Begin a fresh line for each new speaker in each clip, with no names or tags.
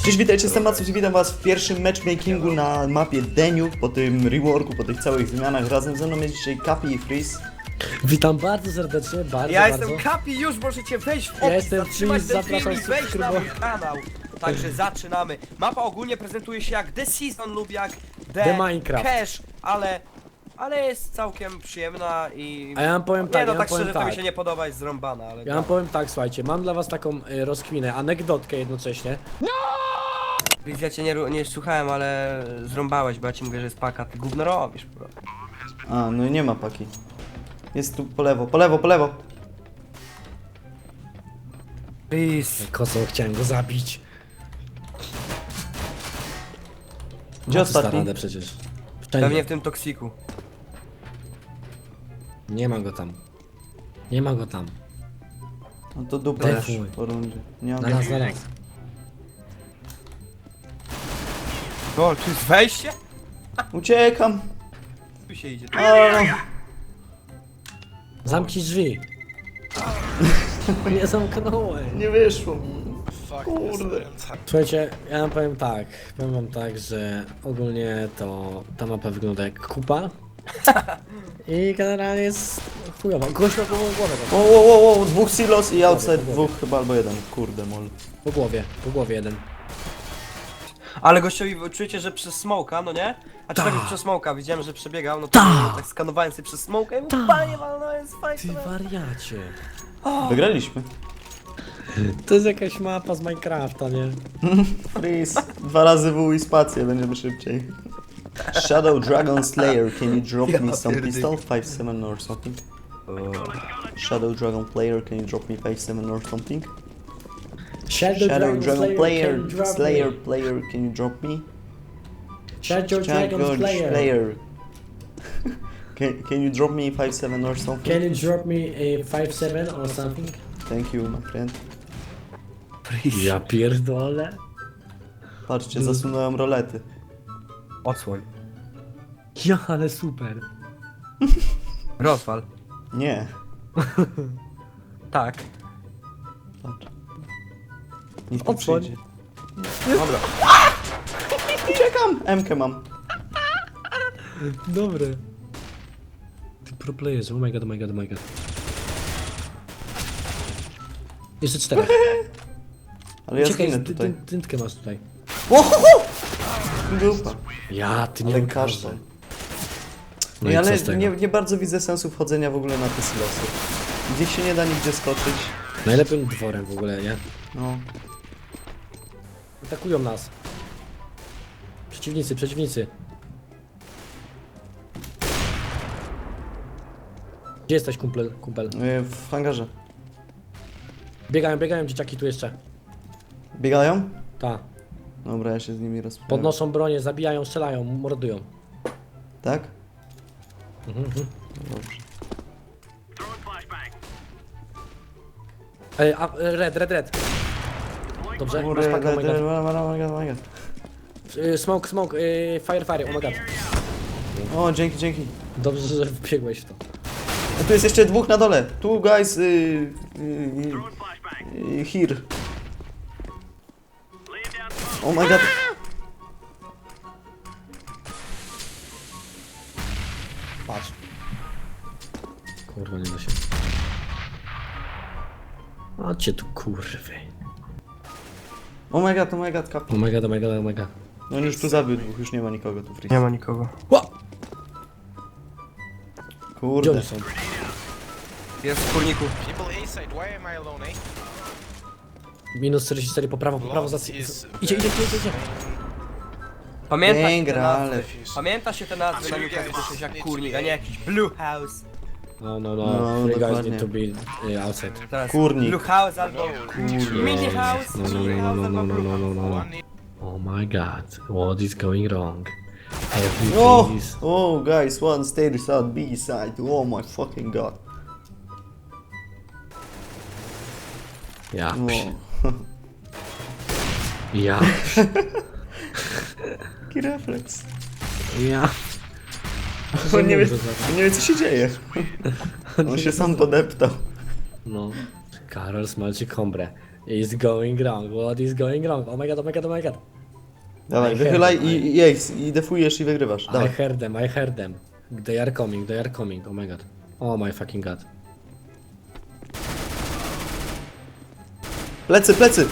Cześć, witajcie, jestem Macus i witam was w pierwszym matchmakingu na mapie Deniu, po tym reworku, po tych całych zmianach. Razem ze mną jest dzisiaj Kapi i Freeze.
Witam bardzo serdecznie, bardzo.
Ja jestem Kapi, już możecie wejść w opis,
jestem
zatrzymać
Freeze,
ten film
zapraszam
i wejść na mój
subskrybować.
kanał. Także zaczynamy. Mapa ogólnie prezentuje się jak The Season lub jak
The Minecraft.
Cache, ale jest całkiem przyjemna i...
A ja wam powiem tak,
Nie no,
ja
tak
wam
szczerze
powiem
to mi
tak.
się nie podoba, jest zrąbana, ale...
Ja wam powiem tak, słuchajcie, mam dla was taką rozkminę, anegdotkę jednocześnie.
Freeze, ja cię nie słuchałem, ale zrąbałeś, bo ja ci mówię, że jest paka, ty gówno robisz po prostu.
A, no i nie ma paki. Jest tu po lewo, po lewo, po lewo.
Freeze.
Kosą, chciałem go zabić.
Gdzie
Ma tu
ostatni?
radę przecież.
Pewnie
Wszędzie.
w tym toksiku.
Nie ma go tam. Nie ma go tam.
No to dupa już
Defuj.
po rundzie. Nie mam
Na raz, na raz.
O, tu jest wejście?
Uciekam.
Tu się idzie.
Zamknij drzwi. Nie zamknąłem.
Nie wyszło mi. Kurde.
Słuchajcie, ja wam powiem wam tak, że ogólnie to ta mapa wygląda jak kupa. I generalnie jest chujowa. Gość ma głowę
O, dwóch silos i outside,
po głowie.
dwóch chyba albo jeden. Kurde, mol.
po głowie jeden.
Ale gościowi czujecie, że przez smoka, no nie? A czy tak już przez smoka, widziałem, że przebiegał, no to tak skanowałem sobie przez smoka i mówię, panie, no jest
Ty
fajne.
wariacie.
Wygraliśmy.
To jest jakaś mapa z Minecrafta, nie?
Freeze. 2 razy W i spację, będziemy szybciej. Shadow Dragon Slayer, can you drop me some pistol? 5-7 or something? Shadow Dragon Player, can you drop me 5-7 or something?
Shadow
Dragon Player,
can drop
Slayer
me.
Player, can you drop me?
Shadow Dragon Slayer.
Player. Can you drop me 5-7 or something?
Can you drop me a 5-7 or something?
Thank you, my friend.
Ja pierdolę.
Patrzcie, zasunąłem rolety.
Odsłoń.
Ja, ale super.
Rozwal.
Nie.
Tak.
Patrz. Niech tu
Odsłoń.
przyjdzie.
Dobra.
Uciekam! M-kę mam.
Dobre. Ty pro players, oh my god, oh my god, oh my god. Jeszcze 4.
Ale ja
Czekaj,
zginę tutaj.
dyntkę masz tutaj.
Dupa.
Ja, ty nie
Ale
mam
kasztan.
kasy.
No
i co
ale
z tego?
nie bardzo widzę sensu wchodzenia w ogóle na te silosy. Gdzieś się nie da nigdzie skoczyć.
Najlepiej dworem w ogóle, nie?
No.
Atakują nas. Przeciwnicy. Gdzie jesteś, kumpel?
W hangarze.
Biegają dzieciaki tu jeszcze.
Biegają?
Ta.
Dobra, ja się z nimi rozprawię.
Podnoszą bronię, zabijają, strzelają, mordują.
Tak?
Mhm.
Dobrze.
Red. Dobrze, masz
Kurde,
pakę, oh my god.
oh my god.
Smoke, fire, oh my god.
O, dzięki.
Dobrze, że wbiegłeś w to.
A tu jest jeszcze dwóch na dole. Tu guys, here. Oh my god.
Patrz. Kurwa, nie da się. Chodźcie tu, kurwy.
Oh my god, kap.
Oh my god.
No on już tu zabił dwóch, już nie ma nikogo tu free.
Nie ma nikogo.
Ła! Gdzie
Kurde.
oni są?
Jest w kurniku.
People A-side, why am I alone, eh?
Minus 44 po prawo za... Idzie.
Pamięta się te nazwy na nukach, słyszysz jak kurnik, a nie jakiś Blue House.
No,
No,
three guys
dokładnie.
need to be outside.
Teraz
Kurnik.
Blue House albo Mini House,
No.
Mini House albo Blue House.
One
Oh my god, what is going wrong? Everything
Oh,
is...
oh guys, one stage side, B side. Oh my fucking god.
Ja,
No.
ja,
Jaki refleks.
ja.
On nie wie co się dzieje. On się sam podeptał.
No, Karol smalczy kombrę. It's going wrong, what is going wrong? Oh my god, oh my god, oh my god.
Dawaj,
I
wychylaj
heard them,
i ace, i defujesz i wygrywasz.
I
Dawaj.
heard them. They are coming, oh my god. Oh my fucking god.
Plecy, plecy!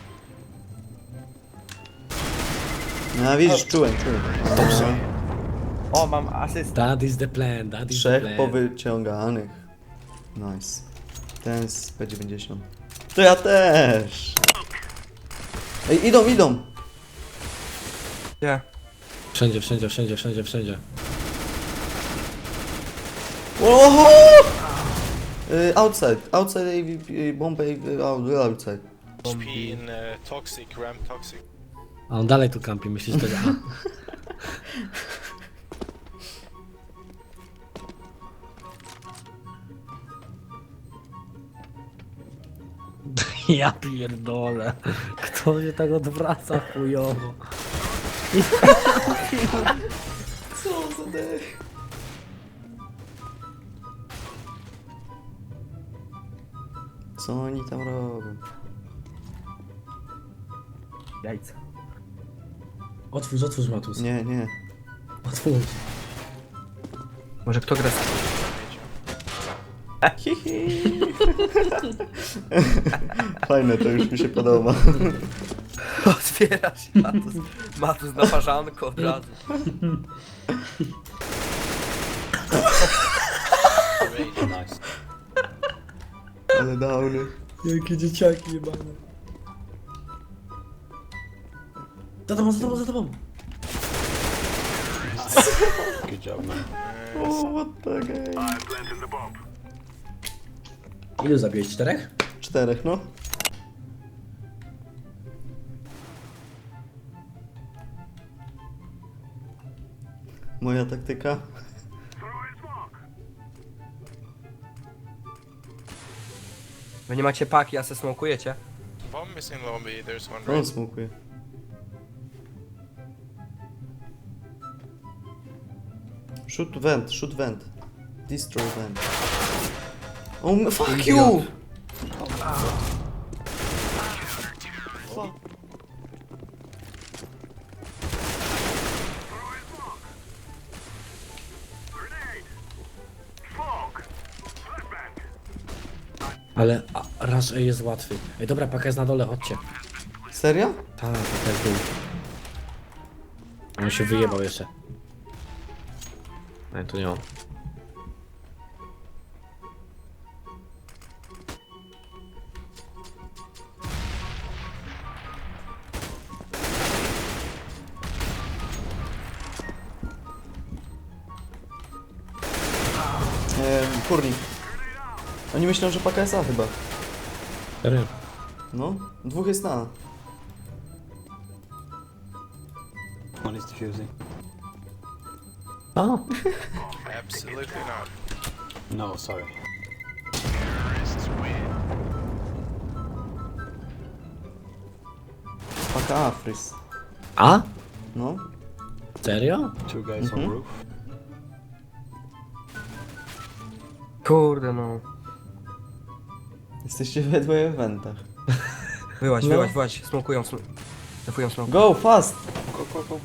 No widzisz, czułem. Dobrze.
O, mam asystę.
That is the plan, that is the
Trzech
plan.
powyciąganych. Nice. Ten z P90. To ja też! Ej, idą!
Nie.
Wszędzie.
Oho! Outside, bomb outside.
HP in toxic, ram toxic.
A on dalej tu kampi, myślisz, że to jest... Ja pierdolę. Kto się tak odwraca chujowo?
Co za dech? Co oni tam robią?
Jajca.
Otwórz Matus.
Nie.
Otwórz.
Może kto gra z...
Fajne, to już mi się podoba.
Otwiera się Matus na parzanko od razu.
Nice.
Ale downy.
Jakie dzieciaki jebane. Za tobą.
Good job, man.
O, what the game.
Ilu zabiłeś? 4?
4, no. Moja taktyka.
Wy nie macie paki, a se smokujecie?
Bomb is in lobby, there's one
On
right.
smokuje. Shoot vent. Destroy vent. Oh, fuck you! Fuck.
Ale raz jest łatwy. Ej, dobra, paka jest na dole, chodźcie.
Serio?
Tak, paka jest dół. On się wyjebał jeszcze. Ej, tu nie on.
Kurnik. Oni myślą, że paka jest A chyba.
Serio?
No, dwóch jest na A.
One is defusing.
A,
Absolutely not.
No, sorry.
Paka A, Frys.
A?
No.
Serio?
Two guys on roof.
Kurde no.
Jesteście we dwoje w wentach.
Wyłaź,
No.
wyłaź. Smokują, defują smok.
Go, fast!
Go.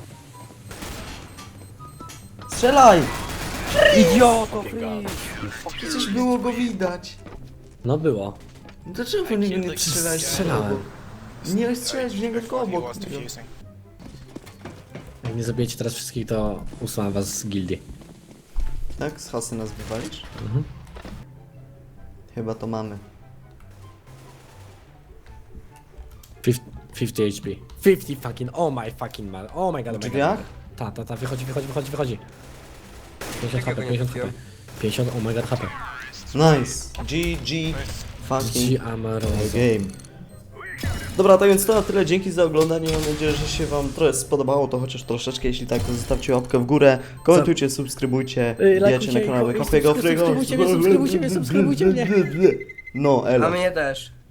Strzelaj!
Idioto,
Fucking god.
Przecież było go widać.
No było.
Dlaczego po niego nie strzelać?
Strzelałem.
Nie strzelać w niego tylko
Before he
obok.
was defusing.
Jak nie zabijecie teraz wszystkich, to usuwam was z gildii.
Tak? Z hasy nas wywalisz?
Mhm.
Chyba to mamy.
50 HP. 50 fucking, oh my fucking man. Oh my god, oh my
Drzwiach?
god. Ta, wychodzi. 50
Jak
HP,
ja go nie
50 HP.
trafiłem?
50, oh my god, HP.
Nice. GG. Fucking
G Amarozo.
game. Dobra, tak więc to na tyle. Dzięki za oglądanie. Mam nadzieję, że się wam trochę spodobało to chociaż troszeczkę. Jeśli tak, to zostawcie łapkę w górę. Komentujcie, subskrybujcie. Wbijajcie na kanał Kapiego Frygo.
subskrybujcie mnie.
No, elo.
A mnie też.